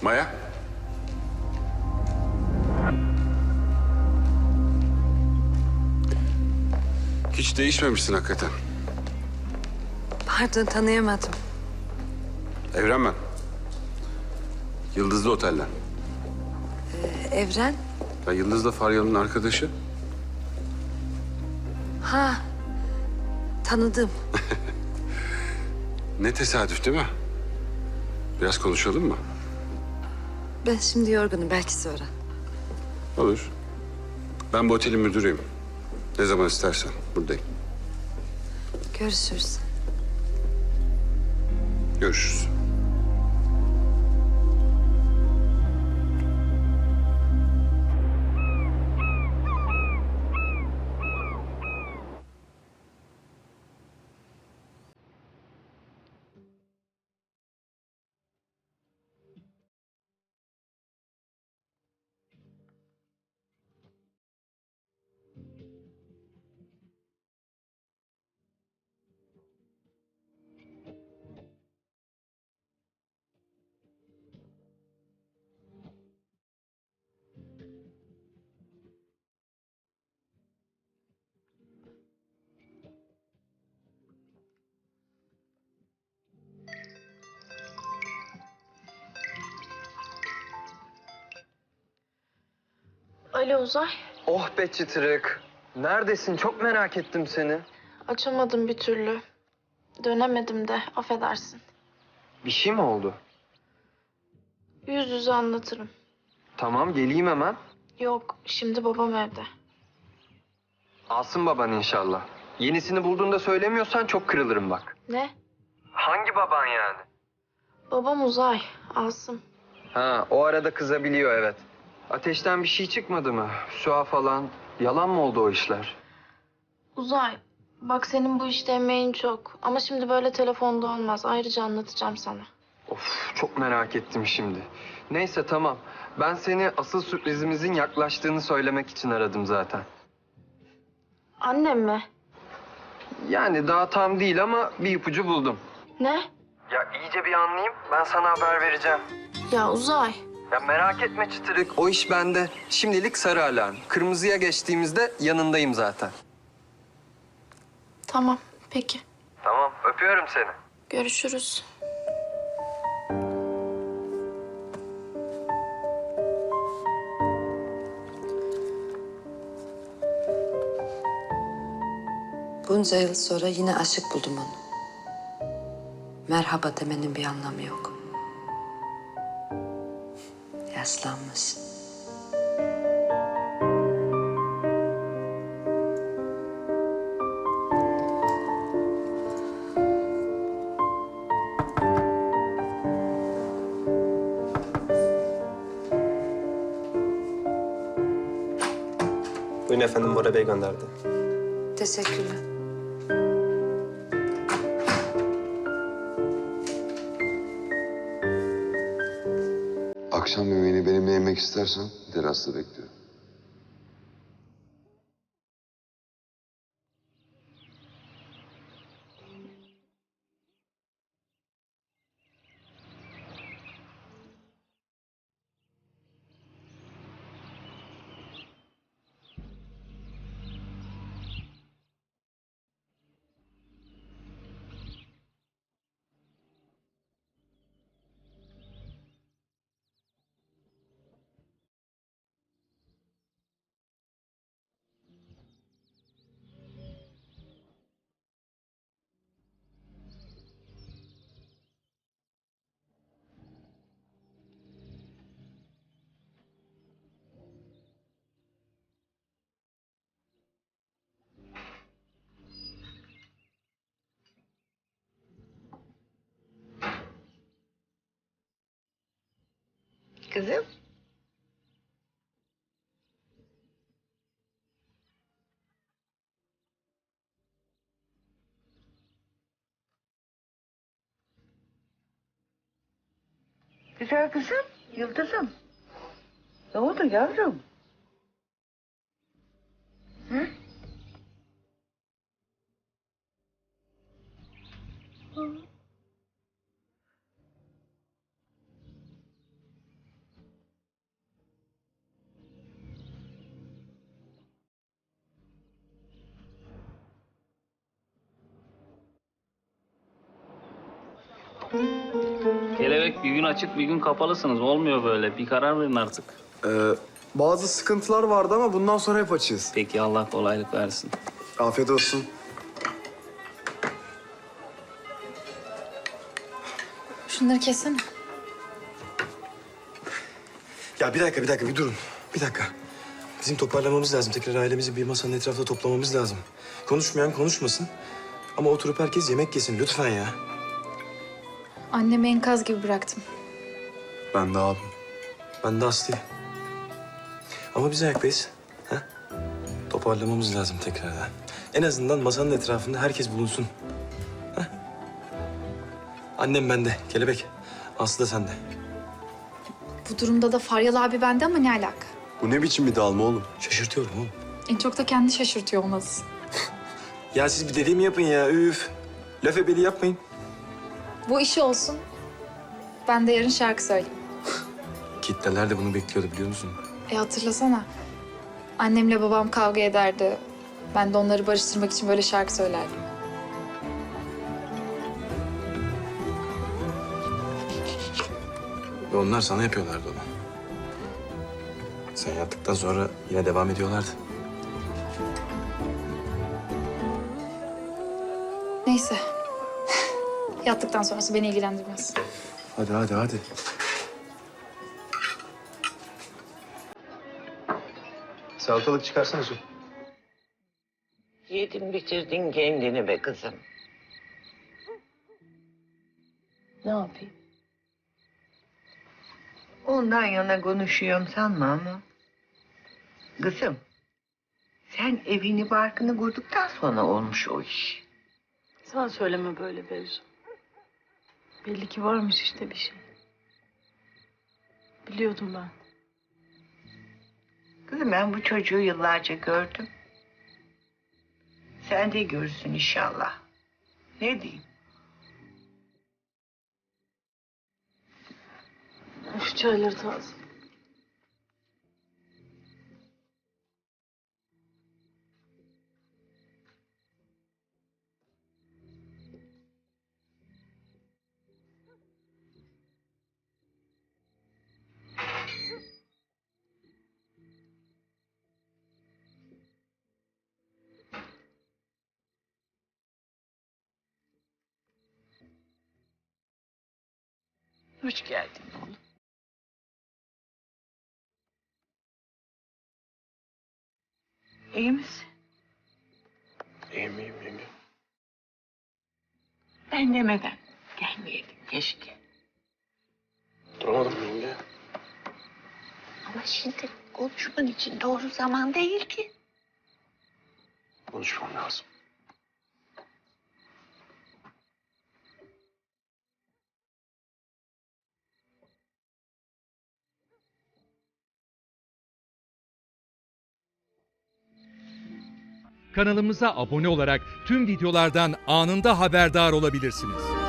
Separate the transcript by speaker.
Speaker 1: Maya. Hiç değişmemişsin hakikaten.
Speaker 2: Pardon, tanıyamadım.
Speaker 1: Evren ben. Yıldızlı Otel'den.
Speaker 2: Evren?
Speaker 1: Ben Yıldız'la Faryalı'nın arkadaşı.
Speaker 2: Ha, tanıdım.
Speaker 1: Ne tesadüf değil mi? Biraz konuşalım mı?
Speaker 2: Ben şimdi yorgunum, belki sonra.
Speaker 1: Olur. Ben bu otelin müdürüyüm. Ne zaman istersen buradayım.
Speaker 2: Görüşürüz.
Speaker 1: Görüşürüz.
Speaker 3: Alo Uzay.
Speaker 4: Oh be çıtırık. Neredesin? Çok merak ettim seni.
Speaker 3: Açamadım bir türlü. Dönemedim de affedersin.
Speaker 4: Bir şey mi oldu?
Speaker 3: Yüz yüze anlatırım.
Speaker 4: Tamam geleyim hemen.
Speaker 3: Yok şimdi babam evde.
Speaker 4: Alsın baban inşallah. Yenisini bulduğunda söylemiyorsan çok kırılırım bak.
Speaker 3: Ne?
Speaker 4: Hangi baban yani?
Speaker 3: Babam Uzay. Asım.
Speaker 4: Ha o arada kızabiliyor evet. Ateşten bir şey çıkmadı mı? Süha falan. Yalan mı oldu o işler?
Speaker 3: Uzay. Bak senin bu işte emeğin çok. Ama şimdi böyle telefonda olmaz. Ayrıca anlatacağım sana.
Speaker 4: Of çok merak ettim şimdi. Neyse tamam. Ben seni asıl sürprizimizin yaklaştığını söylemek için aradım zaten.
Speaker 3: Annem mi?
Speaker 4: Yani daha tam değil ama bir ipucu buldum.
Speaker 3: Ne?
Speaker 4: Ya iyice bir anlayayım. Ben sana haber vereceğim.
Speaker 3: Ya Uzay.
Speaker 4: Ya merak etme çıtırık. O iş bende. Şimdilik sarı alarm. Kırmızıya geçtiğimizde yanındayım zaten.
Speaker 3: Tamam peki.
Speaker 4: Tamam. Öpüyorum seni.
Speaker 3: Görüşürüz.
Speaker 2: Bunca yıl sonra yine aşık buldum onu. Merhaba demenin bir anlamı yok. Yaşlanmış.
Speaker 5: Buyurun efendim, Bora Bey gönderdi.
Speaker 2: Teşekkürler.
Speaker 6: Akşam yemeğini benimle yemek istersen terasta bekliyorum.
Speaker 7: Kızım. Güzel kızım, Yıldız'ım. Ne oldu yavrum? Hı?
Speaker 5: Kelebek bir gün açık bir gün kapalısınız. Olmuyor böyle. Bir karar verin artık.
Speaker 8: Bazı sıkıntılar vardı ama bundan sonra hep açığız.
Speaker 5: Peki Allah kolaylık versin.
Speaker 8: Afiyet olsun.
Speaker 9: Şunları kessene.
Speaker 10: Ya bir dakika bir durun. Bir dakika. Bizim toparlamamız lazım. Tekrar ailemizi bir masanın etrafında toplamamız lazım. Konuşmayan konuşmasın. Ama oturup herkes yemek yesin lütfen ya.
Speaker 9: Annemi enkaz gibi bıraktım.
Speaker 8: Ben de abim.
Speaker 10: Ben de Aslı'yı. Ama biz ayaktayız. Ha? Toparlamamız lazım tekrardan. En azından masanın etrafında herkes bulunsun. Ha? Annem bende, Kelebek. Aslı da sende.
Speaker 9: Bu durumda da Faryal abi bende ama ne alaka?
Speaker 8: Bu ne biçim bir dağılma oğlum?
Speaker 10: Şaşırtıyorum oğlum.
Speaker 9: En çok da kendi şaşırtıyor olmalısın.
Speaker 10: Ya siz bir dediğimi yapın ya, üf. Laf ebeli yapmayın.
Speaker 9: Bu işi olsun. Ben de yarın şarkı söyleyeyim.
Speaker 10: Kitleler de bunu bekliyordu biliyor musun?
Speaker 9: Hatırlasana. Annemle babam kavga ederdi. Ben de onları barıştırmak için böyle şarkı söylerdim.
Speaker 10: Ve onlar sana yapıyorlardı onu. Sen yattıktan sonra yine devam ediyorlardı.
Speaker 9: Neyse. Yattıktan sonrası beni ilgilendirmez.
Speaker 10: Hadi. Salatalık çıkarsana su.
Speaker 7: Yedin bitirdin kendini be kızım. Ne yapayım? Ondan yana konuşuyorum sanma ama. Kızım, sen evini barkını kurduktan sonra olmuş o iş.
Speaker 11: Sen söyleme böyle Beyzu. Belli ki varmış işte bir şey. Biliyordum ben.
Speaker 7: Kızım ben bu çocuğu yıllarca gördüm. Sen de görürsün inşallah. Ne diyeyim?
Speaker 11: Şu çayları taze.
Speaker 7: Hoş geldin oğlum. İyi misin?
Speaker 10: İyiyim yenge.
Speaker 7: Ben demeden gelmeyeydin keşke.
Speaker 10: Duramadım yenge.
Speaker 7: Ama şimdi konuşman için doğru zaman değil ki.
Speaker 10: Konuşmam lazım.
Speaker 12: Kanalımıza abone olarak tüm videolardan anında haberdar olabilirsiniz.